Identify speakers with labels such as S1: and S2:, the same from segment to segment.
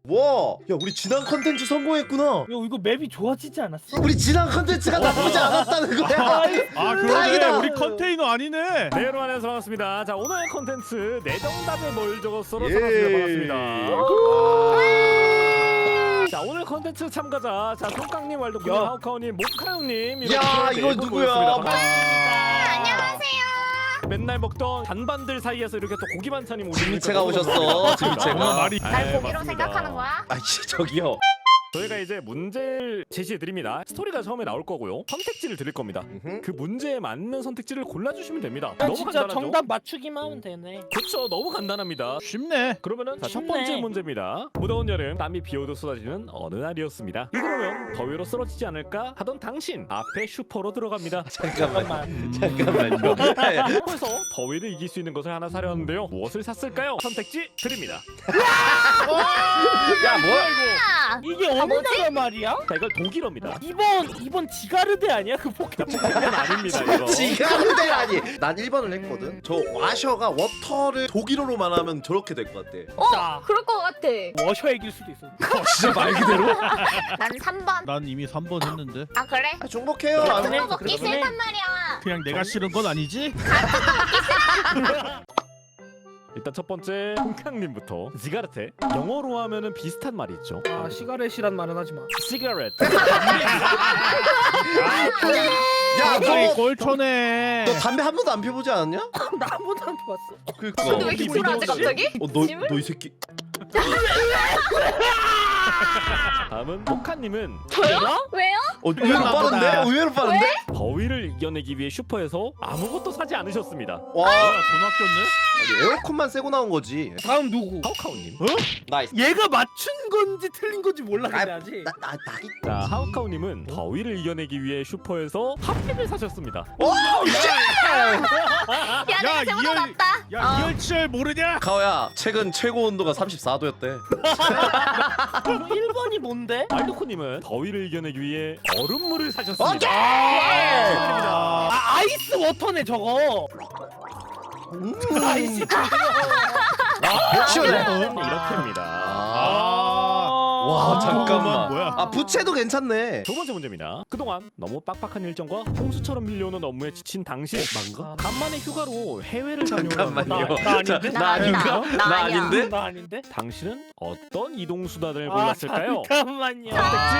S1: 와, 야 우리 지난 컨텐츠 성공했구나.
S2: 야 이거 맵이 좋아지지 않았어?
S1: 우리 지난 컨텐츠가 나쁘지 않았다는 거야.
S3: 아 그러네.
S1: 다행이다.
S3: 우리 컨테이너 아니네.
S4: 네, 여러분 안녕하세요. 반갑습니다. 자, 오늘 컨텐츠 내 정답에 뭘 적었어로
S1: 예.
S4: 찾았습니다. 반갑습니다. 자, 오늘 컨텐츠 참가자 자, 송깡님, 왈도님,
S2: 야.
S4: 하우카우님, 모카형님
S1: 야,
S4: 이렇게
S1: 이거
S4: 네 분
S1: 누구야?
S4: 모였습니다.
S5: 안녕하세요.
S4: 맨날 먹던 잔반들 사이에서 이렇게 또 고기 반찬이 오시니까
S1: 진미채가
S4: 너무
S1: 오셨어,
S4: 감사합니다.
S1: 진미채가.
S3: 아, 말이.
S5: 날
S4: 네,
S5: 고기로
S4: 맞습니다.
S5: 생각하는 거야?
S1: 아이씨 저기요.
S4: 저희가 이제 문제를 제시해 드립니다. 스토리가 처음에 나올 거고요. 선택지를 드릴 겁니다. 그 문제에 맞는 선택지를 골라주시면 됩니다.
S2: 난
S4: 너무
S2: 진짜
S4: 간단하죠?
S2: 정답 맞추기만 하면 되네.
S4: 그렇죠. 너무 간단합니다.
S3: 쉽네.
S4: 그러면은 자, 첫
S2: 쉽네.
S4: 번째 문제입니다. 무더운 여름 땀이 비오듯 쏟아지는 어느 날이었습니다. 이러면 더위로 쓰러지지 않을까 하던 당신 앞에 슈퍼로 들어갑니다.
S1: 잠깐만. 잠깐만요.
S4: 슈퍼에서 더위를 이길 수 있는 것을 하나 사려는데요. 무엇을 샀을까요? 선택지 드립니다.
S1: 야 뭐야?
S5: 아,
S2: 이게 어느 나라 말이야?
S4: 자, 이걸 독일어입니다.
S2: 이번 지가르데 아니야? 그 포켓몬.
S4: 이건 아닙니다. 이거.
S1: 지가르데라니. 난 1번을 했거든. 저 와셔가 워터를 독일어로만 하면 저렇게 될 것 같아.
S2: 자,
S5: 그럴 것 같아.
S2: 워셔 이길 수도 있어.
S1: 진짜 말 그대로?
S5: 난 3번.
S3: 난 이미 3번 했는데.
S5: 아 그래?
S1: 아, 중복해요.
S2: 그래,
S1: 안
S2: 그래.
S1: 해.
S5: 그거 먹기
S2: 그러네.
S5: 싫단 말이야.
S3: 그냥 내가 싫은 건 아니지?
S4: 일단 첫 번째 홍캉님부터 지가르테. 영어로 하면은 비슷한 말이 있죠.
S2: 아 시가렛이란 말은 하지 마.
S4: 시가렛.
S1: 야,
S3: 아이
S1: 너
S3: 꼴초네.
S1: 담배 한 번도 안 피워보지 않았냐?
S2: 나 한 번도 안 봤어.
S1: 그니까.
S5: 근데 왜 이렇게 불안하지 갑자기?
S1: 너 이 새끼.
S4: 다음은 모카님은
S5: 저요? 왜요?
S1: 의외로 빠른데? 의외로 빠른데?
S4: 더위를 이겨내기 위해 슈퍼에서 아무것도 사지 않으셨습니다.
S1: 와,
S3: 돈 아꼈네?
S1: 아니, 에어컨만 세고 나온 거지.
S2: 다음 누구?
S4: 하우카우님.
S1: 나이스.
S2: 얘가 맞춘 건지 틀린 건지 몰라 근데 아직.
S1: 나기.
S4: 자, 하우카우님은 더위를 이겨내기 위해 슈퍼에서 핫팩을 사셨습니다.
S1: 와,
S5: 야 내가 쟤보다
S3: 이열-
S5: 낫다.
S3: 야 이열치열 모르냐?
S1: 가오야, 최근 최고 온도가 34도였대.
S2: 1번이 뭔데?
S4: 말도코님은 더위를 이겨내기 위해 얼음물을 사셨습니다.
S1: 오케이!
S4: 축하드립니다.
S2: 아 아이스 워터네 저거. 아이스
S1: 시원해.
S4: 이렇게입니다.
S1: 와, 잠깐만.
S3: 뭐야?
S1: 아, 부채도 괜찮네.
S4: 두 번째 문제입니다. 그동안 너무 빡빡한 일정과 홍수처럼 밀려오는 업무에 지친 당신. 간만에 휴가로 해외를 다녀오는
S1: 잠깐만요.
S2: 나 아닌데?
S1: 나 아닌가?
S5: 나
S1: 나
S5: 아니야.
S1: 아닌데?
S2: 나 아닌데?
S4: 당신은 어떤 이동 수단을 골랐을까요?
S2: 잠깐만요.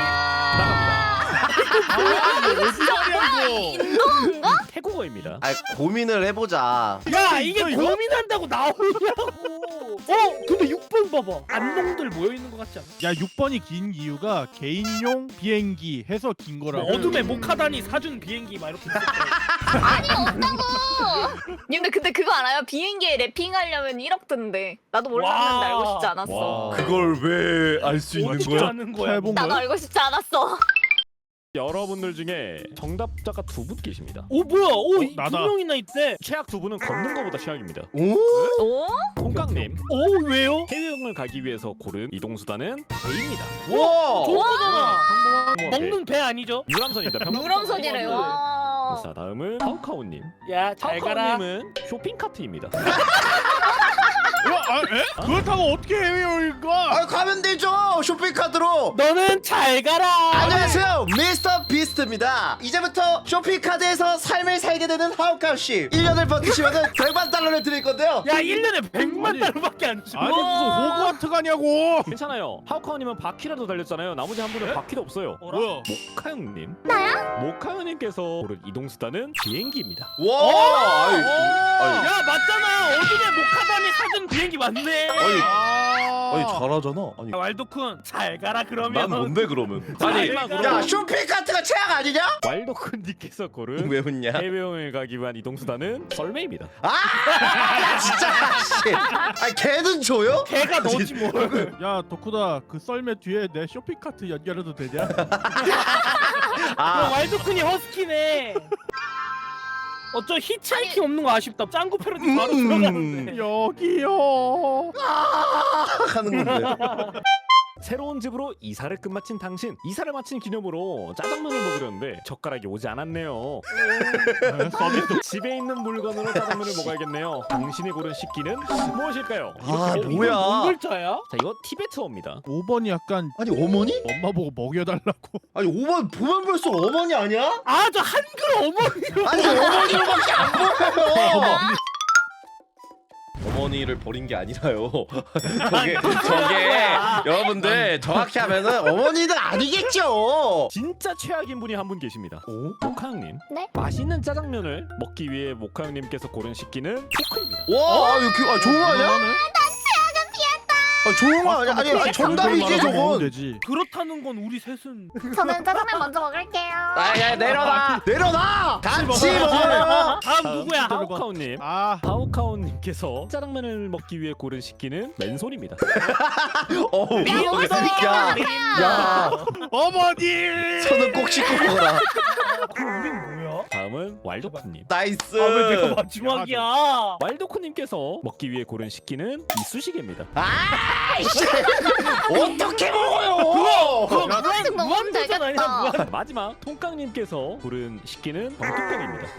S5: 인도인가?
S4: 태국어입니다.
S1: 아, 고민을 해보자.
S2: 야 이게 고민한다고 나오냐고. 근데 6번 봐봐. 안농들 모여 있는 것 같지 않아?
S3: 야 6번이 긴 이유가 개인용 비행기 해서 긴 거라고.
S2: 뭐 어둠의 모카단이 사준 비행기 막 이렇게 있을 거야.
S5: 아니 없다고. 근데 그거 알아요? 비행기에 랩핑하려면 1억 든대. 나도 몰랐는데
S2: 와.
S5: 알고 싶지 않았어.
S1: 그걸 왜 알 수 있는
S2: 어떻게
S1: 거야?
S2: 아는 거야?
S3: 해본
S5: 나도
S3: 거야?
S5: 알고 싶지 않았어.
S4: 여러분들 중에 정답자가 두 분 계십니다.
S2: 오 뭐야? 두
S3: 나다.
S2: 명이나 있대.
S4: 최악 두 분은 걷는 것보다 최악입니다.
S1: 오?
S5: 오?
S4: 송깡님,
S2: 오 왜요?
S4: 해외여행을 가기 위해서 고른 이동 수단은 배입니다.
S1: 와!
S2: 저거잖아.
S4: 배.
S2: 먹는 배 아니죠?
S4: 유람선입니다. 평범한
S5: 무럼선이래요. 와.
S4: 자, 다음은 하우카우님.
S2: 야 잘 가라.
S4: 하우카우님은 쇼핑카트입니다.
S3: 그걸 타고 어떻게 해외여행 가?
S1: 아, 가면 되죠. 쇼핑카드로.
S2: 너는 잘 가라.
S1: 안녕하세요, 미스터 비스트입니다. 이제부터 쇼핑카드에서 삶을 살게 되는 하우카우 씨. 1년을 버티시면 100만 달러를 드릴 건데요.
S2: 야 1년에 100만
S3: 아니,
S2: 달러밖에 안 줘.
S3: 아니 무슨 호그와트 가냐고.
S4: 괜찮아요. 하우카우님은 바퀴라도 달렸잖아요. 나머지 한 분은 바퀴도 없어요.
S3: 뭐야?
S4: 모카형님.
S5: 나야?
S4: 모카형님께서 고른 이동 수단은 비행기입니다.
S1: 와! 아이,
S2: 야 맞잖아. 어둠의 모카단이 사준 비행기 맞네.
S1: 아니 잘하잖아. 아니,
S2: 왈도쿤 잘 가라 그러면.
S1: 난 뭔데 그러면?
S2: 아니,
S4: 마지막으로
S1: 야, 쇼핑카드가 최악 아니냐?
S4: 왈도쿤님께서 고른
S1: 왜 웃냐?
S4: 해외여행을 가기 위한 이동 수단은 썰매입니다.
S1: 야, 진짜 씨. 아, 걔는 줘요?
S2: 걔가 너지 뭘.
S3: 야 덕후다 그 썰매 뒤에 내 쇼핑카트 연결해도 되냐?
S2: 그럼
S1: 아,
S2: 왈도쿤이 허스키네. 어쩌 히치하이킹 없는 거 아쉽다. 짱구 패러디 바로 들어가는데.
S3: 여기요.
S1: 하는 건데.
S4: 새로운 집으로 이사를 끝마친 당신. 이사를 마친 기념으로 짜장면을 먹으려는데 젓가락이 오지 않았네요.
S3: 서비스.
S4: 집에 있는 물건으로 짜장면을 먹어야겠네요. 당신이 고른 식기는 무엇일까요?
S1: 아
S2: 이건
S1: 뭐야?
S2: 뭔 글자야?
S4: 자, 이거 티베트어입니다.
S3: 5번이 약간
S1: 아니 어머니?
S3: 엄마 보고 먹여달라고.
S1: 아니 5번 보면 볼수록 어머니 아니야?
S2: 아 저 한글 어머니로.
S1: 아니 어머니로밖에 안 보여요. 어머니를 버린 게 아니라요. 저게 여러분들 정확히 하면은 어머니는 아니겠죠.
S4: 진짜 최악인 분이 한 분 계십니다.
S1: 오?
S4: 모카형님.
S5: 네?
S4: 맛있는 짜장면을 먹기 위해 모카형님께서 고른 식기는 포크입니다.
S1: 와, 이거 좋은 거 아니야? 좋은 거 아니야? 아니 정답이지 저건.
S3: 되지.
S2: 그렇다는 건 우리 셋은
S5: 저는 짜장면 먼저 먹을게요.
S1: 아야 내려놔. 내려놔. 같이 먹어요.
S2: 다음 누구야?
S4: 하우카오님.
S3: 아,
S4: 하우카오님께서 짜장면을 먹기 위해 고른 식기는 맨손입니다.
S1: 어우.
S5: 야, 먹을 수 있겠다,
S1: 야.
S3: 어머니.
S1: 손은 꼭 씻고 먹어라.
S2: 그럼 우린 뭐야?
S4: 다음은 왈도쿠님.
S1: 나이스.
S2: 아 왜 내가 마지막이야?
S4: 왈도쿠님께서 먹기 위해 고른 식기는 이쑤시개입니다.
S1: 아이씨. 어떻게 먹어요?
S5: 그거 무한식 먹으면
S2: 무한도전 아니야,
S5: 되겠다.
S2: 무한.
S4: 마지막 통깡님께서 고른 식기는 병뚜껑입니다.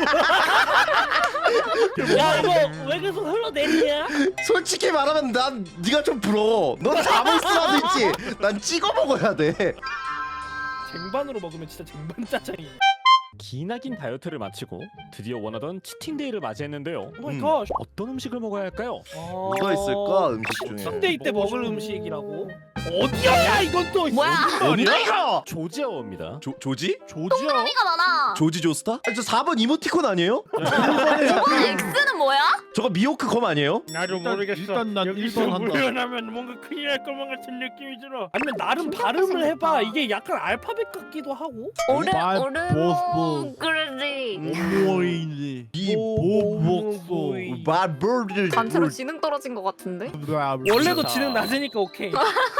S2: 야 이거 왜 계속 흘러내리냐?
S1: 솔직히 말하면 난 네가 좀 부러워. 넌 자물쇠라도 있지. 난 찍어 먹어야 돼.
S2: 쟁반으로 먹으면 진짜 쟁반 짜장이야.
S4: 기나긴 다이어트를 마치고 드디어 원하던 치팅데이를 맞이했는데요.
S2: 오 마이 갓.
S4: 어떤 음식을 먹어야 할까요?
S1: 뭐가 있을까 음식 중에?
S2: 치팅데이 때 먹을 음식이라고? 어디야 이건 또?
S5: 뭐야?
S1: 뭔데 이거?
S4: 조지아어입니다.
S1: 조지?
S3: 조지야.
S5: 소리가 많아.
S1: 조지 조스타? 아니 저 4번 이모티콘 아니에요?
S5: X는 뭐야?
S1: 저거 미호크 검 아니에요?
S2: 나도
S3: 일단 난 1번 한다.
S2: 구현하면 뭔가 큰일 날 것만 같은 느낌이 들어. 아니면 나름 발음을 해봐. 이게 약간 알파벳 같기도 하고.
S5: 오르모 그러지.
S3: 어머니. 이보복소.
S1: 말벌을
S5: 단체로 지능 떨어진 것 같은데?
S2: 원래도 지능 낮으니까 오케이.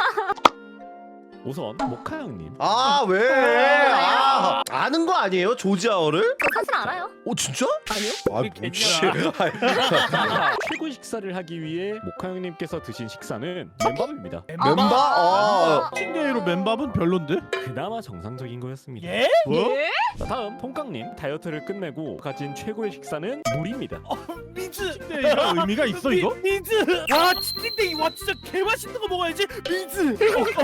S4: 우선 모카형님.
S1: 아 왜? 아, 아는 거 아니에요? 조지아어를?
S5: 저 사실 알아요.
S1: 어 진짜?
S2: 아니요?
S1: 아
S2: 그게
S1: 뭐지?
S4: 최고 식사를 하기 위해 모카형님께서 드신 식사는 맨밥입니다.
S1: 멤버? 아,
S3: 팅데이로 맨밥은 별론데?
S4: 그나마 정상적인 거였습니다.
S2: 예?
S3: 뭐?
S5: 예?
S4: 자, 다음 통깡님. 다이어트를 끝내고 가진 최고의 식사는 물입니다.
S2: 미즈.
S3: 팅데이가 의미가 있어 이거?
S2: 미즈. 와 치팅데이 와 진짜 개 맛있는 거 먹어야지. 미즈.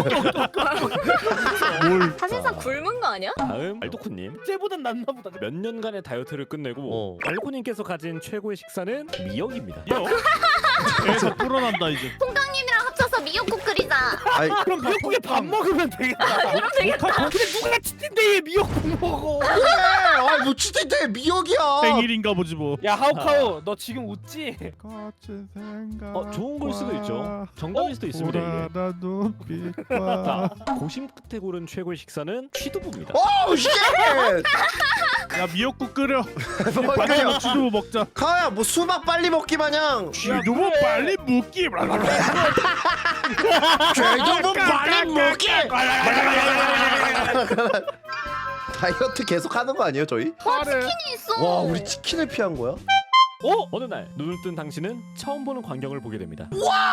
S3: 뭘?
S5: 사실상 굶은 거 아니야?
S4: 다음 알도쿠님.
S2: 쟤보단 낫나 보다.
S4: 몇 년간의 다이어트를 끝내고 알코님께서 가진 최고의 식사는 미역입니다.
S3: 계속 불어난다 이제.
S5: 통깡님이랑 합쳐서 미역국 끓이자.
S1: 아이,
S2: 그럼 미역국에 밥 먹으면 되겠다.
S5: 그럼 되겠다.
S2: 근데 누가 치팅데이에 미역국 먹어?
S1: 아이 뭐 치팅데 미역이야.
S3: 생일인가 보지 뭐.
S2: 야 하우카우 너 지금 웃지?
S3: 거친 생각.
S4: 좋은 걸 수도 있죠. 정답일 수도 있습니다. 이게.
S3: 보라다 눈빛과.
S4: 자, 고심 끝에 고른 최고의 식사는 취두부입니다.
S1: 오 쉣!
S3: 야 미역국 끓여.
S1: 뭐,
S3: 빨리 쥐두부 먹자.
S1: 카야 뭐 수박 빨리 먹기 마냥
S3: 쥐두부 빨리 먹기.
S1: 쥐두부 빨리 먹기. 다이어트 계속 하는 거 아니에요 저희?
S5: 치킨이 있어.
S1: 와 우리 치킨을 피한 거야?
S4: 어느 날 눈을 뜬 당신은 처음 보는 광경을 보게 됩니다.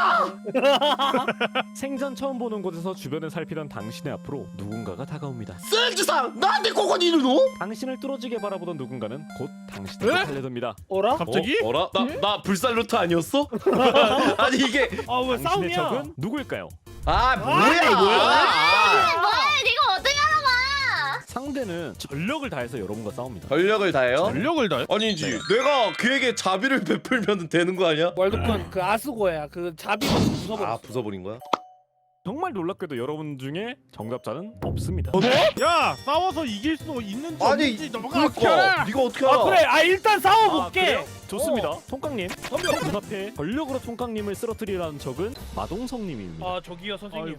S4: 생전 처음 보는 곳에서 주변을 살피던 당신의 앞으로 누군가가 다가옵니다.
S1: 센즈상 나한테 고건 이르노?
S4: 당신을 뚫어지게 바라보던 누군가는 곧 당신을 달래듭니다.
S2: 어라?
S3: 갑자기?
S1: 어라? 나 불살루트 아니었어? 아니 이게
S2: 아왜
S4: 당신의
S2: 싸움이야?
S4: 적은 누구일까요?
S1: 아 뭐야?
S5: 뭐야? 네가 어떻게 알아봐?
S4: 상대는 전력을 다해서 여러분과 싸웁니다.
S1: 전력을 다해요?
S3: 전력을 다해?
S1: 아니지 내가 그에게 자비를 베풀면 되는 거 아니야?
S2: 월드콘 그 아스고야 그 자비 부숴버렸어.
S1: 아 부숴버린 거야?
S4: 정말 놀랍게도 여러분 중에 정답자는 없습니다.
S3: 야 싸워서 이길 수 있는지
S1: 아니
S3: 없는지 너가 어떻게
S1: 그니까
S3: 알아?
S1: 네가 어떻게 알아?
S2: 아 그래 아 일단 싸워볼게.
S4: 그래요? 좋습니다. 통깡님. 눈앞에 전력으로 통깡님을 쓰러뜨리라는 적은 마동성님입니다.
S2: 아 저기요 선생님.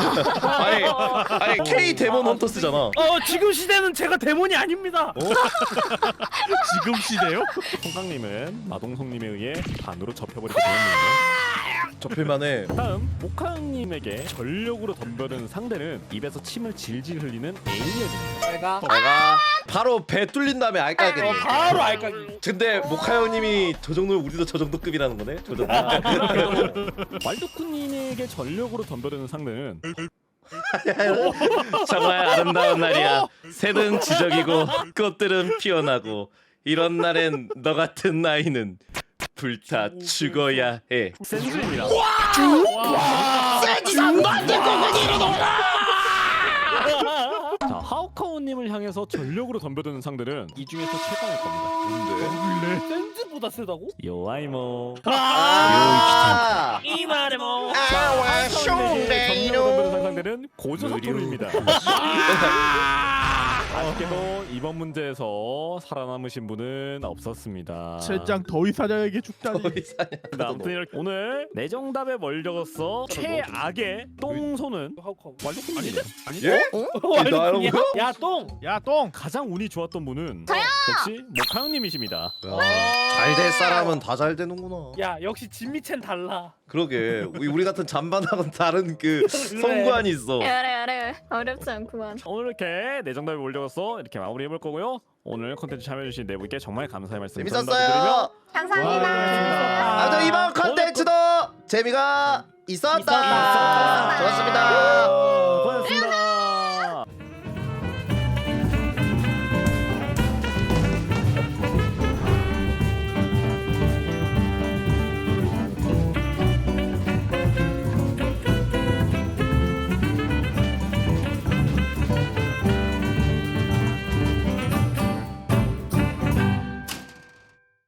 S1: 아니 K 데몬 헌터스잖아.
S2: 지금 시대는 제가 데몬이 아닙니다.
S3: 지금 시대요?
S4: 통깡님은 마동성님에 의해 반으로 접혀버리게 되었는데요.
S1: 접힐만해.
S4: 다음 모카님에게 전력으로 덤벼드는 상대는 입에서 침을 질질 흘리는 에일리언입니다.
S2: 내가
S1: 내가 바로 배 뚫린 다음에 알까겠네.
S2: 바로 알까기.
S1: 근데 모카 형님이 저 정도면 우리도 저 정도 급이라는 거네. 저 정도.
S4: 왈도쿠님에게 전력으로 덤벼드는 상대는
S1: 정말 아름다운 날이야. 새는 지적이고 꽃들은 피어나고 이런 날엔 너 같은 나이는 불타 죽어야 해.
S4: 센즈입니다.
S1: 세지 3번
S4: 자, 하오카오님을 향해서 전력으로 덤벼드는 상대는 이 중에서 최강일 겁니다.
S2: 센즈보다 세다고?
S4: 요아이모.
S1: 아,
S2: 이 말에 뭐.
S1: 아와
S4: 하오카오님에게 전력으로 덤벼드는
S1: 숑레이노.
S4: 상대는 고조 사토루입니다. 아쉽게도 이번 문제에서 살아남으신 분은 없었습니다.
S3: 젠장 더위사냥에게 죽다니.
S4: 아무튼 이렇게 오늘 내 정답에 멀적었어 최악의 똥손은
S2: 하우카우.
S4: 왈도쿠님이에요.
S1: 예? 나라고요?
S2: 야 똥.
S3: 야 똥.
S4: 가장 운이 좋았던 분은 역시 모카형님이십니다.
S1: 잘 될 사람은 다 잘 되는구나.
S2: 야 역시 진미첸 달라.
S1: 그러게 우리 같은 잔반하고는 다른 그 성관이 있어.
S5: 그래 어렵지 않구만.
S4: 오늘 이렇게 내 정답에 몰려서 이렇게 마무리해볼 거고요. 오늘 콘텐츠 참여해주신 네 분께 정말 감사의 말씀
S1: 재밌었어요.
S5: 감사합니다.
S1: 아무튼 이번 컨텐츠도 재미가 있었다.